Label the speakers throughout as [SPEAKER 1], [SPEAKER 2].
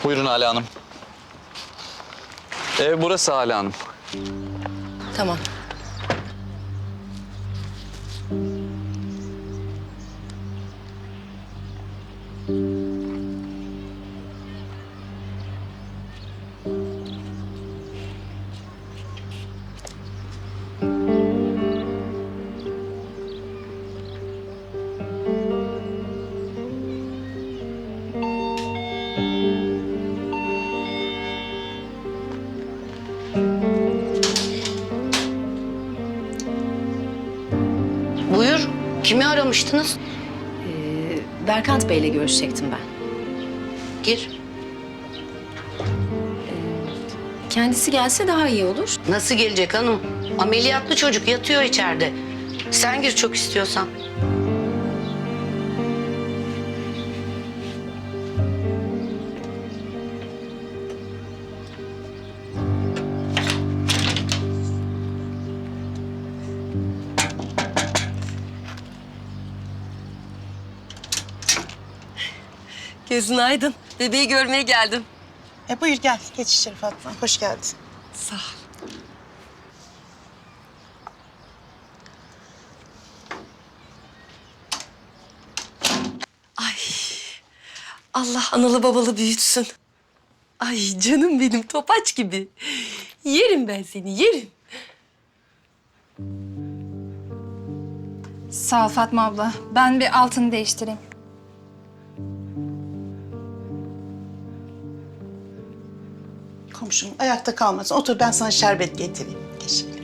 [SPEAKER 1] Buyurun Hala Hanım. Ev burası Hala Hanım.
[SPEAKER 2] Tamam.
[SPEAKER 3] Buyur. Kimi aramıştınız?
[SPEAKER 2] Berkant Bey'le görüşecektim ben.
[SPEAKER 3] Gir.
[SPEAKER 2] Kendisi gelse daha iyi olur.
[SPEAKER 3] Nasıl gelecek hanım? Ameliyatlı çocuk yatıyor içeride. Sen gir çok istiyorsan.
[SPEAKER 2] Gözün aydın. Bebeği görmeye geldim.
[SPEAKER 4] Buyur gel. Geç içeri Fatma. Hoş geldin.
[SPEAKER 2] Sağ ol. Ay. Allah analı babalı büyütsün. Ay canım benim topaç gibi. Yerim ben seni, yerim.
[SPEAKER 5] Sağ ol Fatma abla. Ben bir altını değiştireyim.
[SPEAKER 4] Komşum ayakta kalmasın. Otur ben sana şerbet getireyim. Geç şöyle.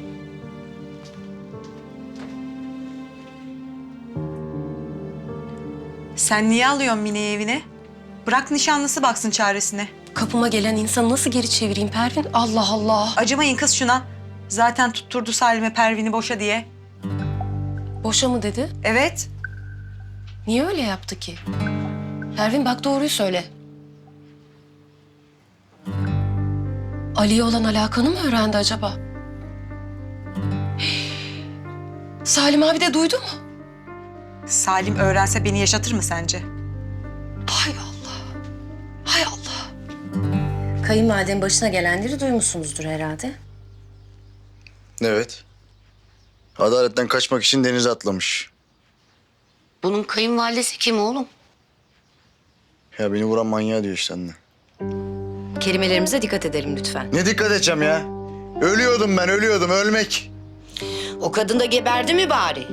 [SPEAKER 6] Sen niye alıyorsun Mine'yi evine? Bırak nişanlısı baksın çaresine.
[SPEAKER 2] Kapıma gelen insanı nasıl geri çevireyim Pervin? Allah Allah.
[SPEAKER 6] Acımayın kız şuna. Zaten tutturdu Salim'e Pervin'i boşa diye.
[SPEAKER 2] Boşa mı dedi?
[SPEAKER 6] Evet.
[SPEAKER 2] Niye öyle yaptı ki? Pervin bak doğruyu söyle. Ali'ye olan alakanı mı öğrendi acaba? Salim abi de duydu mu?
[SPEAKER 6] Salim öğrense beni yaşatır mı sence?
[SPEAKER 2] Hay Allah. Hay Allah. Kayınvalidenin başına gelenleri duymuşsunuzdur herhalde.
[SPEAKER 7] Evet. Adaletten kaçmak için denize atlamış.
[SPEAKER 3] Bunun kayınvalidesi kim oğlum?
[SPEAKER 7] Ya beni vuran manyağı diyor işte anne.
[SPEAKER 2] Kelimelerimize dikkat edelim lütfen.
[SPEAKER 7] Ne dikkat edeceğim ya? Ölüyordum ben, ölüyordum. Ölmek.
[SPEAKER 3] O kadın da geberdi mi bari?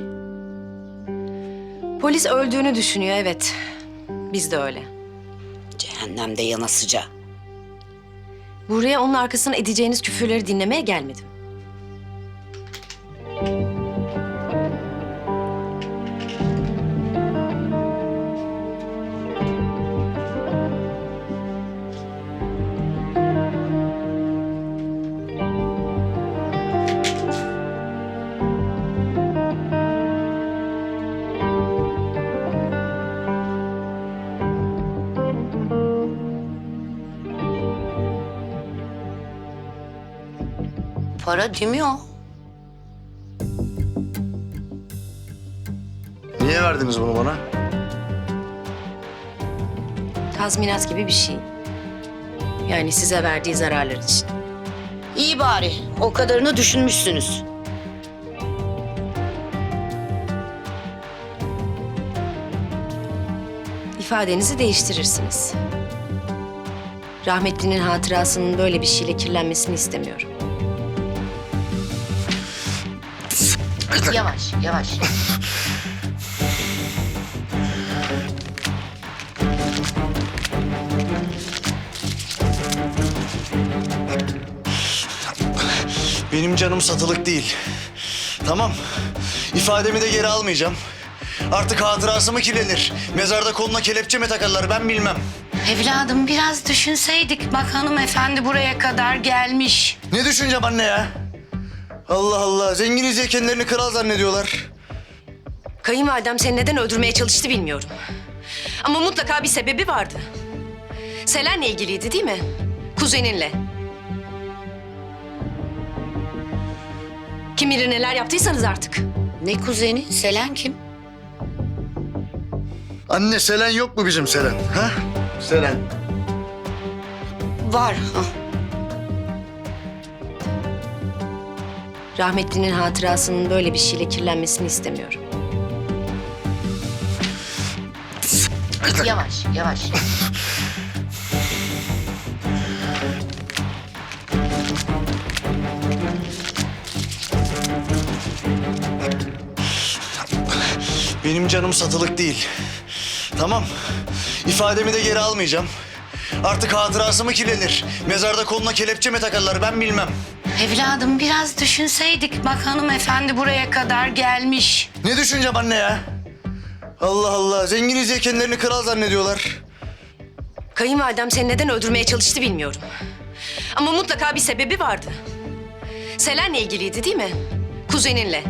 [SPEAKER 2] Polis öldüğünü düşünüyor evet. Biz de öyle.
[SPEAKER 3] Cehennemde yanasıca.
[SPEAKER 2] Buraya onun arkasına edeceğiniz küfürleri dinlemeye gelmedim.
[SPEAKER 3] Para değil mi o?
[SPEAKER 7] Niye verdiniz bunu bana?
[SPEAKER 2] Tazminat gibi bir şey. Yani size verdiği zararlar için.
[SPEAKER 3] İyi bari. O kadarını düşünmüşsünüz.
[SPEAKER 2] İfadenizi değiştirirsiniz. Rahmetlinin hatırasının böyle bir şeyle kirlenmesini istemiyorum.
[SPEAKER 3] Yavaş, yavaş.
[SPEAKER 7] Benim canım satılık değil. Tamam. İfademi de geri almayacağım. Artık hatırası mı kirlenir? Mezarda koluna kelepçe mi takarlar ben bilmem.
[SPEAKER 3] Evladım biraz düşünseydik. Bak hanımefendi buraya kadar gelmiş.
[SPEAKER 7] Ne düşüneceğim anne ya? Allah Allah. Zenginiz diye kendilerini kral zannediyorlar.
[SPEAKER 2] Kayınvalidem seni neden öldürmeye çalıştı bilmiyorum. Ama mutlaka bir sebebi vardı. Selen'le ilgiliydi değil mi? Kuzeninle. Kim bilir neler yaptıysanız artık.
[SPEAKER 3] Ne kuzeni? Selen kim?
[SPEAKER 7] Anne Selen yok mu bizim Selen? Ha? Selen.
[SPEAKER 3] Var.
[SPEAKER 2] Rahmetlinin hatırasının böyle bir şeyle kirlenmesini istemiyorum.
[SPEAKER 3] Yavaş, yavaş.
[SPEAKER 7] Benim canım satılık değil. Tamam. İfademi de geri almayacağım. Artık hatırası mı kirlenir? Mezarda koluna kelepçe mi takarlar ben bilmem.
[SPEAKER 3] Evladım biraz düşünseydik. Bak hanımefendi buraya kadar gelmiş.
[SPEAKER 7] Ne düşüneceğim anne ya? Allah Allah. Zenginiz diye kendilerini kral zannediyorlar.
[SPEAKER 2] Kayınvalidem seni neden öldürmeye çalıştı bilmiyorum. Ama mutlaka bir sebebi vardı. Selen'le ilgiliydi değil mi? Kuzeninle.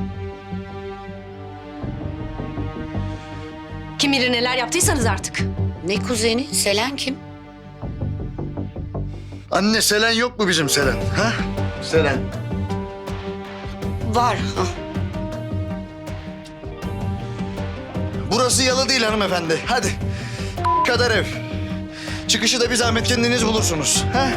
[SPEAKER 2] Kim bilir neler yaptıysanız artık.
[SPEAKER 3] Ne kuzeni? Selen kim?
[SPEAKER 7] Anne Selen yok mu bizim Selen? Ha? Selen.
[SPEAKER 3] Var.
[SPEAKER 7] Burası yalı değil hanımefendi. Hadi. Kadar ev. Çıkışı da bir zahmet kendiniz bulursunuz. Ha?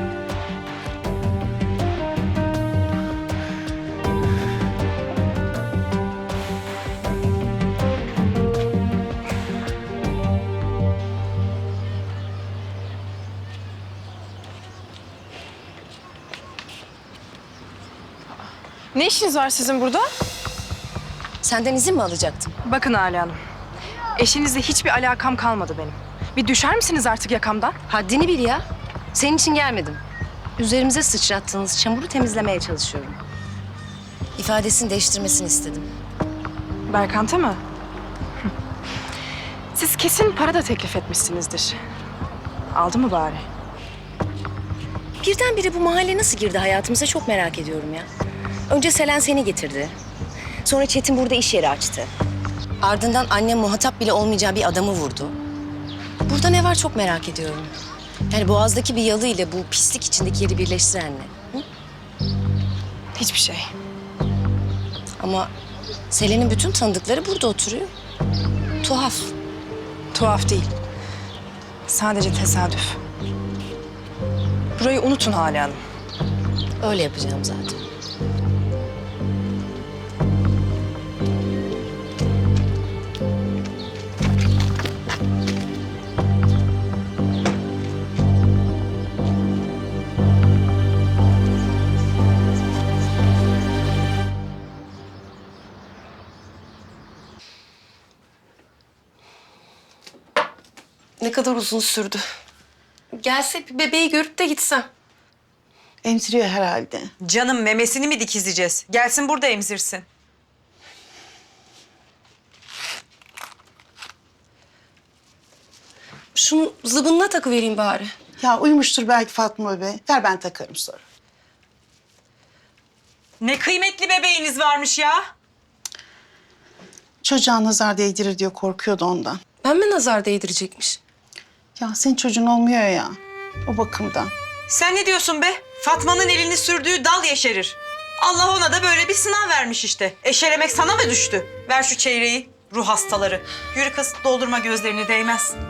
[SPEAKER 1] Ne işiniz var sizin burada?
[SPEAKER 2] Senden izin mi alacaktım?
[SPEAKER 1] Bakın Hale Hanım. Eşinizle hiçbir alakam kalmadı benim. Bir düşer misiniz artık yakamdan?
[SPEAKER 2] Haddini bil ya. Senin için gelmedim. Üzerimize sıçrattığınız çamuru temizlemeye çalışıyorum. İfadesini değiştirmesini istedim.
[SPEAKER 1] Berkant'a mı? Hı. Siz kesin para da teklif etmişsinizdir. Aldı mı bari?
[SPEAKER 2] Birdenbire bu mahalle nasıl girdi hayatımıza çok merak ediyorum ya. Önce Selen seni getirdi. Sonra Çetin burada iş yeri açtı. Ardından annem muhatap bile olmayacağı bir adamı vurdu. Burada ne var çok merak ediyorum. Yani Boğaz'daki bir yalı ile bu pislik içindeki yeri birleştiren ne? Hı?
[SPEAKER 1] Hiçbir şey.
[SPEAKER 2] Ama Selen'in bütün tanıdıkları burada oturuyor. Tuhaf.
[SPEAKER 1] Tuhaf değil. Sadece tesadüf. Burayı unutun Hale Hanım.
[SPEAKER 2] Öyle yapacağım zaten.
[SPEAKER 8] Ne kadar uzun sürdü. Gelse bir bebeği görüp de gitsem.
[SPEAKER 4] Emziriyor herhalde.
[SPEAKER 6] Canım memesini mi dikizleyeceğiz? Gelsin burada emzirsin.
[SPEAKER 8] Şunu zıbınına takıvereyim bari.
[SPEAKER 4] Ya uyumuştur belki Fatma be. Ver ben takarım sonra.
[SPEAKER 6] Ne kıymetli bebeğiniz varmış ya.
[SPEAKER 4] Çocuğa nazar değdirir diyor korkuyordu ondan.
[SPEAKER 8] Ben mi nazar değdirecekmiş?
[SPEAKER 4] Ya senin çocuğun olmuyor ya. O bakımdan.
[SPEAKER 6] Sen ne diyorsun be? Fatma'nın elini sürdüğü dal yeşerir. Allah ona da böyle bir sınav vermiş işte. Eşelemek sana mı düştü? Ver şu çeyreği. Ruh hastaları. Yürü kız doldurma gözlerini değmez.